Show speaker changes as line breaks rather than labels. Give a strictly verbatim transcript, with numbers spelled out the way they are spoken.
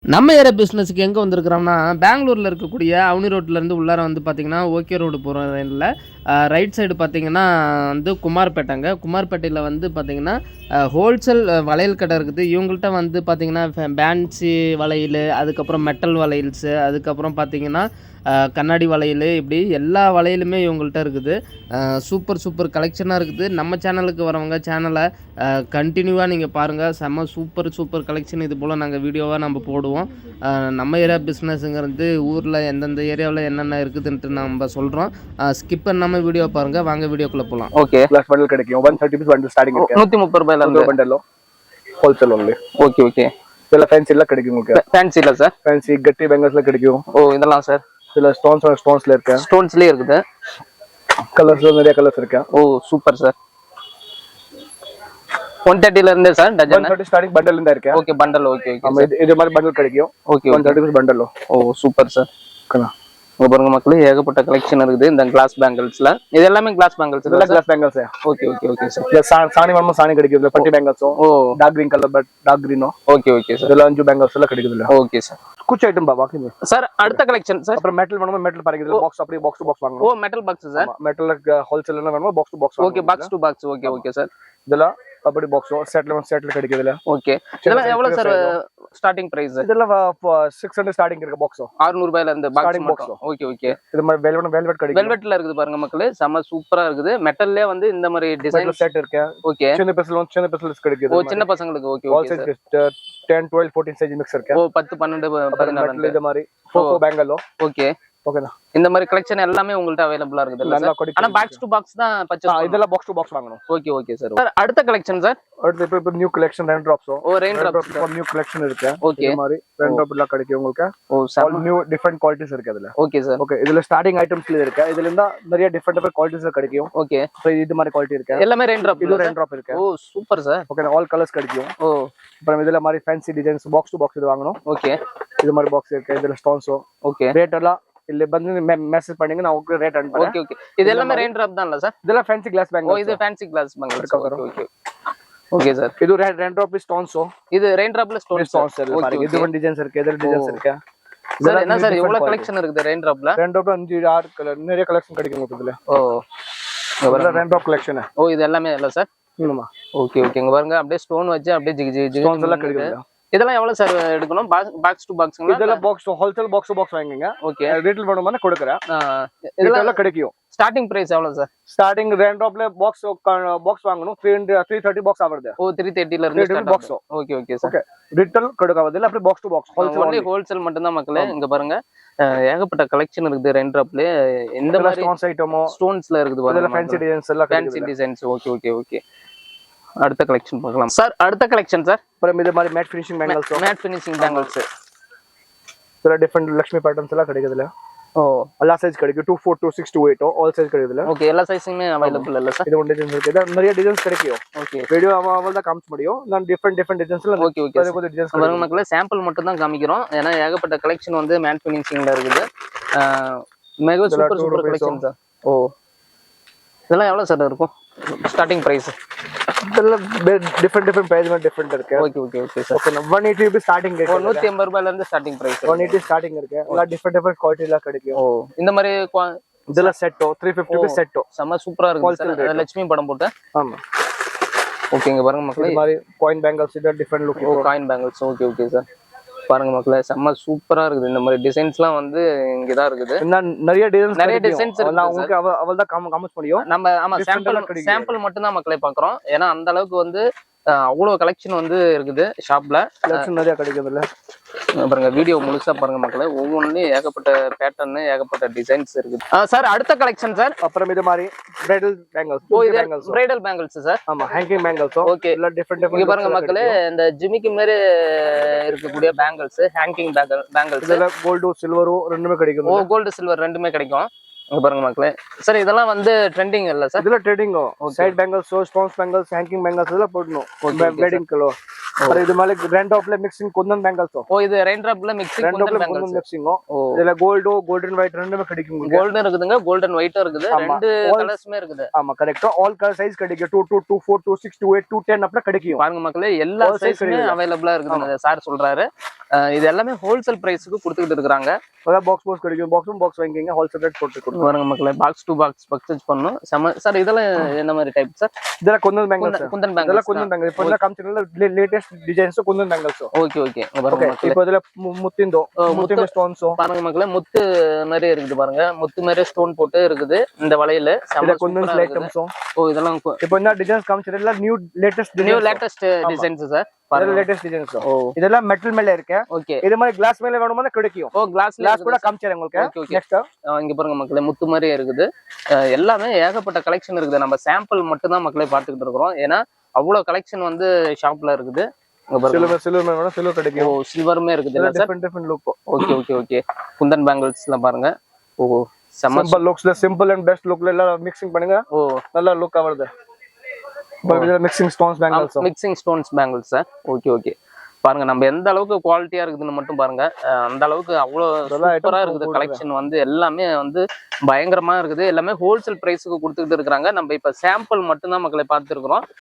நம்ம ஏரியா பிஸ்னஸுக்கு எங்கே வந்திருக்கிறோம்னா பெங்களூரில் இருக்கக்கூடிய அவனி ரோட்லேருந்து உள்ளார வந்து பார்த்திங்கன்னா ஓகே ரோடு போகிற லைனில் ரைட் சைடு பார்த்திங்கன்னா வந்து குமார்பேட்டைங்க. குமார்பேட்டையில் வந்து பார்த்திங்கன்னா ஹோல்சேல் வளையல் கடை இருக்குது. இவங்கள்ட்ட வந்து பார்த்திங்கன்னா ஃபேன்சி வளையல், அதுக்கப்புறம் மெட்டல் வளையல்ஸு, அதுக்கப்புறம் பார்த்திங்கன்னா கண்ணாடி வளையல், இப்படி எல்லா வளையலுமே இவங்கள்ட்ட இருக்குது. சூப்பர் சூப்பர் கலெக்ஷனாக இருக்குது. நம்ம சேனலுக்கு வரவங்க சேனலை கண்டினியூவாக நீங்கள் பாருங்கள். செம்ம சூப்பர் சூப்பர் கலெக்ஷன் இது போல் நாங்கள் வீடியோவாக நம்ம போடுவோம். நம்ம ஏரியா பிஸ்னஸுங்கிறது ஊரில் எந்தெந்த ஏரியாவில் என்னென்ன இருக்குதுன்ட்டு நம்ம சொல்கிறோம். ஸ்கிப் பண்ணாமல் வீடியோ பாருங்கள். வாங்க வீடியோக்குள்ளே போகலாம்.
ஓகே, ப்ளஸ் பண்டல் கிடைக்கும். One thirty piece bundle starting இருக்கு. நூற்றி முப்பது ரூபாயில பண்டலும் ஹோல்சேல் ஒன்லி. Okay okay. இதெல்லாம் ஃபேன்சிலாம் கிடைக்கும் உங்களுக்கு. ஃபேன்சி இல்லை சார், ஃபேன்சி கட்டி பெங்கல்ஸ்ல கிடைக்கும். ஓ, இதெல்லாம் சார் இதுல ஸ்டோன்ஸ் ஸ்டோன்ஸ்ல இருக்கு. ஸ்டோன்ஸ்லயே இருக்குது. கலர்ஸ் நிறைய கலர்ஸ் இருக்கு. Oh super sir. ஒன் தேர்ட்டில இருந்து sir dozen one thirty starting bundle இருந்தா இருக்கு. Okay bundle. Okay okay. ஆமா, இது இது மாதிரி பண்டல் கிடைக்கும். Okay one thirty piece bundle. Oh super sir. கண்ணா உங்க பாருங்க மக்களே, ஏகப்பட்ட கலெக்ஷன் இருக்குது இந்த கிளாஸ் பேங்கிள்ஸ்ல. இது எல்லாமே கிளாஸ் பேங்கிள்ஸ். இதெல்லாம் glass bangles. Okay okay okay sir. இந்த சாணி வரமா சாணி கிடைக்குது. பட்டி பேங்கிள்ஸும். Oh dark green colour but dark கிரீனோ. Okay okay sir. இதெல்லாம் அஞ்சு பேங்கிள்ஸ் எல்லாம் கிடைக்குது. Okay sir. कुछ आइटम बाबा की सर அடுத்த கலெக்ஷன் சார். அப்புறம் மெட்டல் வேணுமா மெட்டல் பாருங்க. இதுல பாக்ஸ் அப்படியே பாக்ஸ் டு பாக்ஸ் வாங்கணும். Oh metal box sir. Metal wholesale வேணுமா box to box. Okay box to box. Okay okay sir. இதெல்லாம் அப்படி பாக்ஸ் செட்ல செட்ல கிடைக்குதுல. ஓகே. இதெல்லாம் எவ்வளவு சார் ஸ்டார்டிங் பிரைஸ்? இதெல்லாம் சிக்ஸ் ஹண்ட்ரட் ஸ்டார்டிங் இருக்கு பாக்ஸ். அறுநூறு ரூபாயில இருந்து பாக்ஸ் பாக்ஸ். Okay okay. இது மாதிரி வெல்வெட் வெல்வெட் கிடைக்கும். வெல்வெட்ல இருக்குது பாருங்க மக்களே, செம சூப்பரா இருக்குது. மெட்டல்லே வந்து இந்த மாதிரி டிசைன் செட் இருக்கு. ஓகே. சின்ன பசங்க சின்ன பசங்களுக்கு கிடைக்குது. ஓ சின்ன பசங்களுக்கு. Okay okay sir. ten twelve fourteen size mix இருக்கு. ஓ பத்து பன்னிரண்டு பதினாறு இந்த மாதிரி ஃபோகோ பேங்கலோ. ஓகே ஓகேனா. இந்த மாதிரி கலெக்ஷன் எல்லாமே உங்களுக்கு அவேலபிளா இருக்குது. ஆனா பாக்ஸ் டு பாக்ஸ் தான் பர்ச்சேஸ். இதெல்லாம் பாக்ஸ் டு பாக்ஸ் வாங்கணும். Okay okay sir. சார் அடுத்த கலெக்ஷன் சார். அடுத்து இப்போ new collection rain drops. Oh rain drops for new collection இருக்கு. ஓகே. இந்த மாதிரி ரெயின் டிராப் எல்லாம் கிடைக்கும் உங்களுக்கு. Oh sir new different qualities இருக்கு அதுல. Okay sir. ஓகே. இதுல ஸ்டார்டிங் ஐட்டம்ஸ்ல இருக்கு. இதுல இருந்தா நிறைய டிஃபரண்ட் டிஃபரண்ட் குவாலிட்டிஸ் கிடைக்கும். ஓகே. சோ இது மாதிரி குவாலிட்டி இருக்கு. எல்லாமே ரெயின் டிராப். இது ரெயின் டிராப் இருக்கு. Oh super sir. Okay. All colours கிடைக்கும். ஓ அப்புறம் இதுல மாதிரி fancy designs box to box இது வாங்கணும். ஓகே. இது மாதிரி பாக்ஸ் இருக்கு. இதுல ஸ்டோன்ஸ். ஓகே. ரேட் எல்லாம் இல்ல வந்து மெசேஜ் பண்ணீங்க நான் உங்களுக்கு ரேட் அனுப்புறேன். Okay okay. இது எல்லாமே ரெயின் டிராப் தான்ல சார்? இதெல்லாம் ஃபேன்சி கிளாஸ் பேங்கிள். ஓ இது fancy glass bangle. Okay okay. Okay sir. இது ரெயின் டிராப் ஸ்டோன்ஸ். இது ரெயின் டிராப்ல ஸ்டோன்ஸ் ஸ்டோன்ஸ் பாருங்க. இது ஒன் டிசைன்ஸ் இருக்கு. இதர டிசைன்ஸ் இருக்கு. சார் என்ன சார் இவ்வளவு கலெக்ஷன் இருக்குது ரெயின் டிராப்ல? ரெயின் டிராப்ல அஞ்சு ஆறு கலர் நிறைய கலெக்ஷன் கிடைக்கும் உங்களுக்கு இதுல. ஓ இதெல்லாம் ரெயின் டிராப் கலெக்ஷன். ஓ இது எல்லாமே இல்ல சார்? ஆமா. Okay okay. இங்க பாருங்க அப்படியே ஸ்டோன் வச்சு அப்படியே ஜிஜி ஜிஜி ஸ்டோன்ஸ் எல்லாம் கிடைக்குது. இதெல்லாம் எவ்வளவு சார் எடுக்கணும்? Box to box. இதெல்லாம் box wholesale box to box வாங்குங்க. ஓகே. ரீட்டைல் வேணும்னா கொடுக்கறேன். இதெல்லாம் கிடைக்கும். ஸ்டார்டிங் பிரைஸ் எவ்வளவு சார்? ஸ்டார்டிங் ரெயின் டிராப்ல பாக்ஸ் பாக்ஸ் வாங்கணும். three thirty பாக்ஸ் ஆவறது. ஓ three thirty ல இருந்து start box. Okay okay sir. Okay. Retail கொடுக்காதது இல்ல, அப்படியே box to box wholesale. Only wholesale மட்டும் தான் மக்களே. இங்க பாருங்க ஏகப்பட்ட கலெக்ஷன் இருக்குது ரெயின் டிராப்ல. இந்த மாதிரி ஸ்டோன்ஸ் ஐட்டமோ ஸ்டோன்ஸ்ல இருக்குது பாருங்க. இதெல்லாம் ஃபேன்சி டிசைன்ஸ் எல்லாம் fancy designs. Okay okay okay. அடுத்த கலெக்ஷன் பார்க்கலாம் சார். அடுத்த கலெக்ஷன் சார். அப்புறம் இது மாதிரி matte finishing bangles. Matte finishing bangles. இதெல்லாம் டிஃபரண்ட் லட்சுமி பேட்டர்ன்ஸ் எல்லாம் கிடைக்குதுல. ஓ எல்லா சைஸ் கிடைக்கும். two four two six two eight all size கிடைக்குதுல. ஓகே. எல்லா சைஸுமே அவேலபிள் இல்ல சார்? இது ஒன் டிசைன்ஸ் இருக்கு. இது நிறைய டிசைன்ஸ் கிடைக்கும். ஓகே. வீடியோ அவங்கள தான் காமிச்ச முடியும். நான் டிஃபரண்ட் டிஃபரண்ட் டிசைன்ஸ்ல. Okay okay. கொஞ்சம் டிசைன்ஸ் பாருங்க மக்களே, சாம்பிள் மட்டும் தான் காமிக்கிறோம். ஏனா ஏகப்பட்ட கலெக்ஷன் வந்து மேட் ஃபினிஷிங்ல இருக்குது. Mega super super collection sir. Oh இதெல்லாம் எவ்வளவு சார் இருக்கும் ஸ்டார்டிங் பிரைஸ்? இதெல்லாம் டிஃபரண்ட் டிஃபரண்ட் பிரைஸ் में டிஃபரண்ட் இருக்கு. Okay okay okay sir. Okay. one eighty ரூபாய் ஸ்டார்டிங் இருக்கு. நூற்று ஐம்பது ரூபாயில இருந்து starting price. one eighty starting இருக்கு. எல்லாம் டிஃபரண்ட் டிஃபரண்ட் குவாலிட்டில கிடைக்கும். ஓ இந்த மாதிரி இதெல்லாம் செட்டோ three fifty ரூபாய் செட்டோ செம சூப்பரா இருக்கு சார். லட்சுமி படம் போட்டு. ஆமா. ஓகே. இங்க பாருங்க மக்களே, இந்த மாதிரி காயின் பேங்கிள்ஸ் இது different look. Oh coin bangles. Okay okay sir. பாருங்க மக்களே, செம்ம சூப்பரா இருக்குது. இந்த மாதிரி டிசைன்ஸ்லாம் வந்து இங்க தான் இருக்குது. நிறைய டிசைன்ஸ் நிறைய டிசைன்ஸ் இருக்கு. உங்களுக்கு அவள் தான் காமிக்க முடியும் நம்ம. ஆமா சாம்பிள் சாம்பிள் மட்டும் தான் மக்களே பாக்குறோம். ஏன்னா அந்த அளவுக்கு வந்து அவ்வளவு கலெக்ஷன் வந்து இருக்குது ஷாப்ல. கலெக்ஷன் நிறைய கிடைக்குதுல்ல. பாருங்க வீடியோ முழுசா பாருங்க மக்களே. ஒவ்வொன்றுலயும் ஏகப்பட்ட பேட்டர்ன் ஏகப்பட்ட டிசைன்ஸ் இருக்குது. சார் அடுத்த கலெக்ஷன் சார். அப்புறம் இது மாதிரி பிரைடல் பேங்கிள்ஸ். ஓ இது பிரைடல் பேங்கிள்ஸ் சார். ஆமா ஹேங்கிங் பேங்கிள்ஸ். ஓகே. எல்லாம் டிஃபரண்ட் டிஃபரண்ட். இங்க பாருங்க மக்களே, இந்த ஜிமிக்கி மாதிரி இருக்கக்கூடிய பேங்கிள்ஸ் ஹேங்கிங் பேங்கிள்ஸ். இதுல கோல்டு சில்வரும் ரெண்டுமே கிடைக்கும். ஓ கோல்டு சில்வர் ரெண்டுமே கிடைக்கும். இங்க பாருங்க மக்களே. சார் இதெல்லாம் வந்து ட்ரெண்டிங் இல்ல சார்?
இதெல்லாம் trending side bangles stones bangles hanging bangles எல்லாம் போடணும் வெட்டிங் கலோ. और இது மாதிரி ரெண்ட் ஆப்ல மிக்சிங் குந்தன் பேங்கிள்ஸ்.
ஓ இது ரெண்ட் ஆப்ல மிக்சிங் குந்தன் பேங்கிள்ஸ்
மிக்சிங். இதுல கோல்டோ கோல்டன் ஒயிட் ரெண்டுமே கிடைக்கும்.
கோல்டன் இருக்குதுங்க, கோல்டன் ஒயிட்டும் இருக்குது, ரெண்டு கலர்ஸ்மே இருக்குது.
ஆமா கரெக்ட். ஆல் கலர் சைஸ் கிடைக்கும். two two two four two six two eight two ten அப்படி கிடைக்கும்.
பாருங்க மக்களே எல்லா சைஸ்மே அவேலபிளா இருக்குது சார் சொல்றாரு. இது எல்லாமே ஹோல்சேல் பிரைஸ்க்கு கொடுத்துட்டு இருக்காங்க.
அத பாக்ஸ் பாக்ஸ் கிடைக்கும். பாக்ஸும் பாக்ஸ் வாங்கிங்க ஹோல்சேல் ரேட் போட்டு கொடுங்க.
பாருங்க மக்களே பாக்ஸ் டு பாக்ஸ் பர்ச்சேஸ் பண்ணனும். சார் இதெல்லாம் என்ன மாதிரி டைப் சார்?
இதெல்லாம் குந்தன் பேங்கிள்ஸ்.
குந்தன் பேங்கிள்ஸ்.
இதெல்லாம் குந்தன் பேங்கிள்ஸ். இப்போ இந்த கம்பெனில latest designs Kundan bangles.
Okay okay. பாருங்க மக்களே
இப்போ இதுல முத்திந்தோ முத்திந்த ஸ்டோன்ஸ்.
பாருங்க மக்களே முத்து மாதிரி இருக்குது பாருங்க. முத்து மாதிரி ஸ்டோன் போட்டு இருக்குது இந்த வளையல.
இது குந்தன் ஐட்டம்ஸ்.
ஓ இதெல்லாம்
இப்போ இந்த டிசைன்ஸ் கம்பெனில new latest
new latest designs sir.
பாருங்க லேட்டஸ்ட் டிசைன்ஸ். இதெல்லாம் மெட்டல் மேல இருக்கு.
ஓகே.
இது மாதிரி கிளாஸ் மேல வேணும்னா கிடைக்கும்.
ஓ கிளாஸ்
கிளாஸ் கூட காமிச்சறேன் உங்களுக்கு. நெக்ஸ்ட்
இங்க பாருங்க மக்களே முத்து மாதிரி இருக்குது. எல்லாமே ஏகப்பட்ட கலெக்ஷன் இருக்குது. நம்ம சாம்பிள் மட்டும் தான் மக்களே பார்த்துக்கிட்டு இருக்கோம். ஏன்னா அவ்வளவு கலெக்ஷன் வந்து ஷாப்ல இருக்குது.
சில்வர் சில்வர் மேல சில்வர் கிடைக்கும்.
ஓ சில்வர்மே இருக்குது இல்ல sir?
Different different look.
Okay okay okay. Kundan பேங்கிள்ஸ்லாம் பாருங்க. ஓ
சிம்பிள் லுக்ஸ்ல சிம்பிள் அண்ட் பெஸ்ட் லுக்ல எல்லாம் மிக்சிங் பண்ணுங்க. ஓ நல்ல லுக் வருது. Mixing stones bangles.
Mixing stones bangles sir. Okay okay. பாருங்க நம்ம எந்த அளவுக்கு குவாலிட்டியா இருக்குதுன்னு மட்டும் பாருங்க. அந்த அளவுக்கு அவ்வளவு சூப்பரா இருக்குது கலெக்ஷன் வந்து. எல்லாமே வந்து பயங்கரமா இருக்குது. எல்லாமே ஹோல்சேல் பிரைஸுக்கு கொடுத்துக்கிட்டு இருக்காங்க. நம்ம இப்ப சாம்பிள் மட்டும் தான் மக்களை பார்த்துருக்கிறோம்.